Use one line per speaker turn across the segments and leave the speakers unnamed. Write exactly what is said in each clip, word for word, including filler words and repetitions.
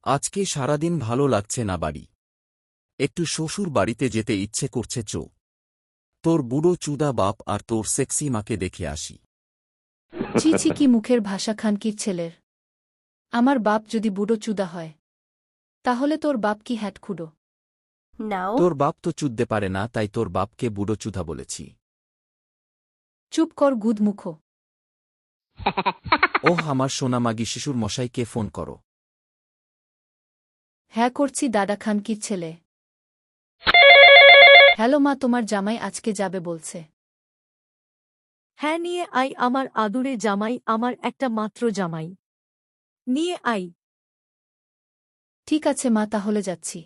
আজকে সারাদিন ভালো লাগছে না বাড়ি। একটু শ্বশুর বাড়িতে যেতে ইচ্ছে করছে চো। তোর বুড়ো চুদা বাপ আর তোর সেক্সি মাকে দেখে আসি।
ছি ছি কি মুখের ভাষা খানকির ছেলের। আমার বাপ যদি বুড়ো চুদা হয় তাহলে তোর বাপ কি হ্যাটখুডো?
No.
তোর বাপ তো চুদতে পারে না, তাই তোর বাপকে বুড়ো চুদা বলেছি।
চুপ কর গুদমুখো।
ওহ, আমার সোনামাগি শিশুর মশাইকে ফোন করো।
হ্যাঁ করছি দাদা খানকির ছেলে। হ্যালো মা, তোমার জামাই আজকে যাবে বলছে।
হ্যাঁ নিয়ে আই আমার আদুরে জামাই, আমার একটা মাত্র জামাই। নিয়ে আই।
ঠিক আছে মা, তাহলে যাচ্ছি।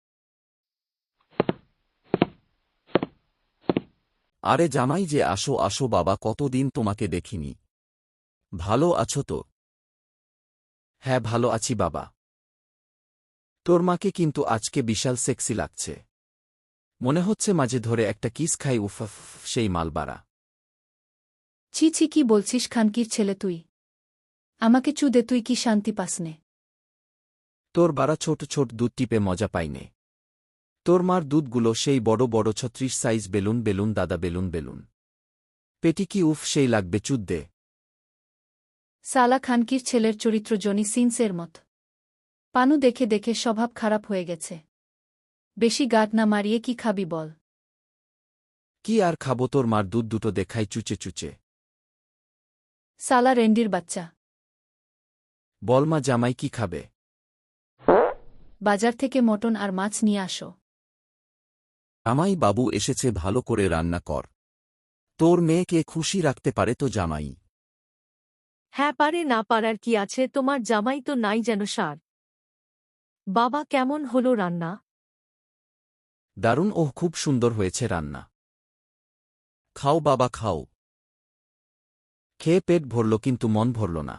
আরে জামাই যে, আসো আসো বাবা, কতদিন তোমাকে দেখিনি। ভালো আছো তো? হ্যাঁ ভালো আছি বাবা। তোর মাকে কিন্তু আজকে বিশাল সেক্সি লাগছে। মনে হচ্ছে মাঝে ধরে একটা কিস খাই। উফ উফ, সেই মালবাড়া।
ছি ছি কি বলছিস খানকির ছেলে তুই? আমাকে চুদে তুই কি শান্তি পাসনে?
তোর বাড়া ছোট ছোট দুধ টিপে মজা পাইনে। তোর মার দুধগুলো সেই বড় বড় ছত্রিশ সাইজ বেলুন বেলুন দাদা, বেলুন বেলুন। পেটি কি উফ সেই লাগবে চুদ্দে।
সালা খানকির ছেলের চরিত্র জনি সিনসের মত। পানু দেখে দেখে স্বভাব খারাপ হয়ে গেছে। বেশি গাট না মারিয়ে কি খাবি বল?
কি আর খাবো, তোর মার দুধ দুটো দেখাই চুচে চুচে।
সালা রেন্ডির বাচ্চা।
বলমা জামাই কি খাবে?
বাজার থেকে মটন আর মাছ নিয়ে আসো।
জামাই বাবু এসেছে, ভালো করে রান্না কর। তোর মেয়েকে খুশি রাখতে পারে তো জামাই।
হ্যাঁ পারে, না পারার কি আছে, তোমার জামাই তো নাই যেন সার। বাবা কেমন হলো রান্না?
দারুণ, ওহ খুব সুন্দর হয়েছে রান্না। খাও বাবা খাও। খেয়ে পেট ভরল কিন্তু মন ভরল না।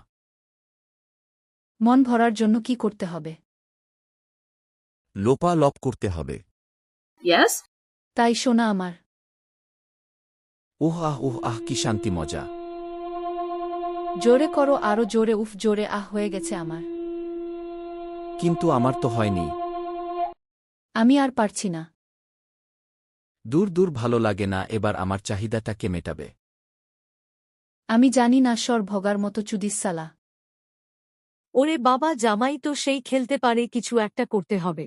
মন ভরার জন্য কি করতে হবে?
লোপা লপ করতে হবে।
Yes?
তাই শোনা আমার।
উহ আহ উহ আহ, কি শান্তি মজা।
জোরে করো, আরো জোরে। উফ, জোরে আহ হয়ে গেছে আমার।
কিন্তু আমার তো হয়নি।
আমি আর পারছি না।
দূর দূর, ভালো লাগে না। এবার আমার চাহিদাটাকে মেটাবে।
আমি জানি না, সর ভগার মতো চুদিস সালা।
ওরে বাবা, জামাই তো সেই খেলতে পারে, কিছু একটা করতে হবে।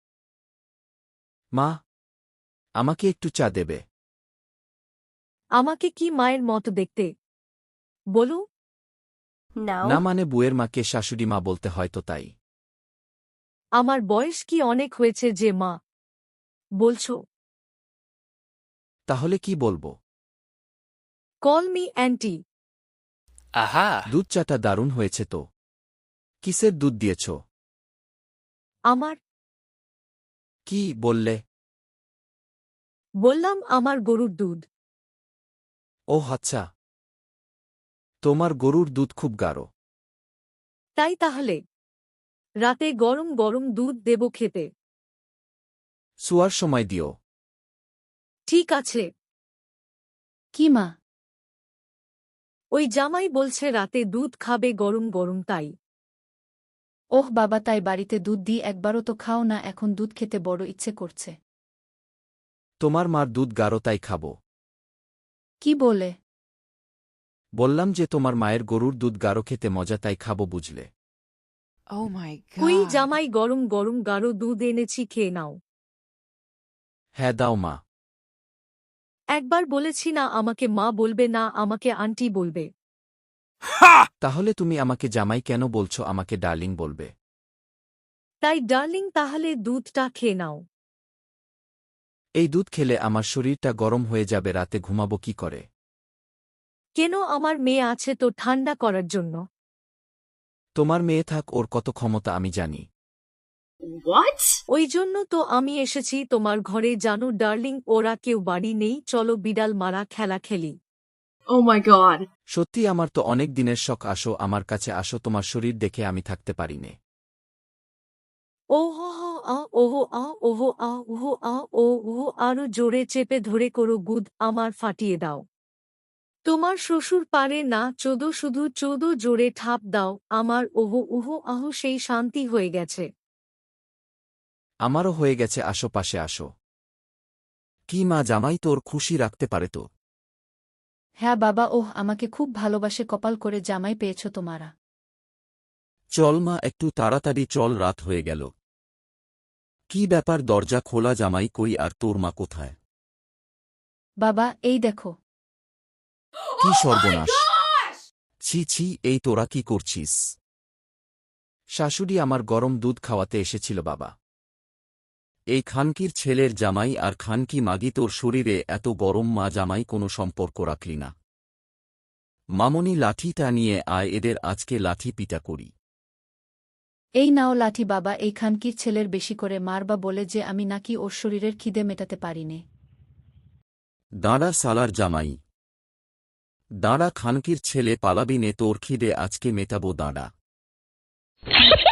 মা, আমাকে একটু চা দেবে?
আমাকে কি মায়ের মতো দেখতে? বলো।
No.
না মানে বুয়ের মাকে শাশুড়ি মা বলতে হয় তো তাই।
আমার বয়স কি অনেক হয়েছে যে মা বলছো?
তাহলে কি বলবো?
Call me aunty.
Aha!
দুধ চাটা দারুণ হয়েছে তো। কিসের দুধ দিয়েছ?
আমার।
কি বললে?
বললাম আমার গরুর দুধ।
ওহ আচ্ছা, তোমার গরুর দুধ খুব গাঢ়।
তাই তাহলে রাতে গরম গরম দুধ দেব খেতে।
শুয়ার সময় দিও।
ঠিক আছে।
কি মা?
ওই জামাই বলছে রাতে দুধ খাবে গরম গরম, তাই।
ওহ বাবা, তাই বাড়িতে দুধ দিই, একবারও তো খাও না, এখন দুধ খেতে বড় ইচ্ছে করছে।
তোমার মার দুধ গাঢ় তাই খাবো।
কি বলে?
বললাম যে তোমার মায়ের গরুর দুধ গাঢ়, খেতে মজা তাই খাবো, বুঝলে?
Oh my
ওই
god.
জামাই গরম গরম গাঢ় দুধ এনেছি, খেয়ে নাও।
হ্যাঁ দাও মা।
একবার বলেছি না আমাকে মা বলবে না, আমাকে আন্টি বলবে।
তাহলে তুমি আমাকে জামাই কেন বলছো? আমাকে ডার্লিং বলবে।
তাই ডার্লিং, তাহলে দুধটা খেয়ে নাও।
এই দুধ খেলে আমার শরীরটা গরম হয়ে যাবে, রাতে ঘুমাবো কি করে?
কেন, আমার মেয়ে আছে তো ঠান্ডা করার জন্য।
তোমার মেয়ে থাক, ওর কত ক্ষমতা আমি জানি।
What?
ওই জন্য তো আমি এসেছি তোমার ঘরে, জানো ডার্লিং, ওরা কেউ বাড়ি নেই, চলো বিড়াল মারা খেলা খেলি।
Oh my god.
সত্যি আমার তো অনেক দিনের শখ, আসো আমার কাছে আসো, তোমার শরীর দেখে আমি থাকতে পারি নে।
ওহো আ ওহো আ ওহো আ ওহো আ ও ওহো, আরো জোরে চেপে ধরে করো গুদ, আমার ফাটিয়ে দাও। তোমার শ্বশুর পারে না চোদো, শুধু চোদো, জোরে ঠাপ দাও আমার। ওহো উহো আহো, সেই শান্তি হয়ে গেছে।
আমারও হয়ে গেছে, আসো পাশে আসো। কি মা, জামাই তোর খুশি রাখতে পারে তো?
হ্যাঁ বাবা, ওহ আমাকে খুব ভালোবাসে, কপাল করে জামাই পেয়েছ তোমারা।
চল মা, একটু তাড়াতাড়ি চল, রাত হয়ে গেল। কি ব্যাপার, দরজা খোলা, জামাই কই আর তোর মা কোথায়?
বাবা, এই দেখো।
কি সর্বনাশ! ছি ছি, এই তোরা কি করছিস? শাশুড়ি আমার গরম দুধ খাওয়াতে এসেছিল বাবা। এই খানকির ছেলের জামাই আর খানকি মাগি, তোর শরীরে এত গরম, মা জামাই কোনো সম্পর্ক রাখলি না। মামনি, লাঠিটা নিয়ে আয়, এদের আজকে লাঠি পিটা করি।
এই নাও লাঠি বাবা, এই খানকির ছেলের বেশি করে মারবা বলে যে আমি নাকি ওর শরীরের খিদে মেটাতে পারিনে।
দাঁড়া সালার জামাই, দাঁড়া, খানকির ছেলে, পালাবি নে, তোর খিদে আজকে মেটাবো, দাঁড়া।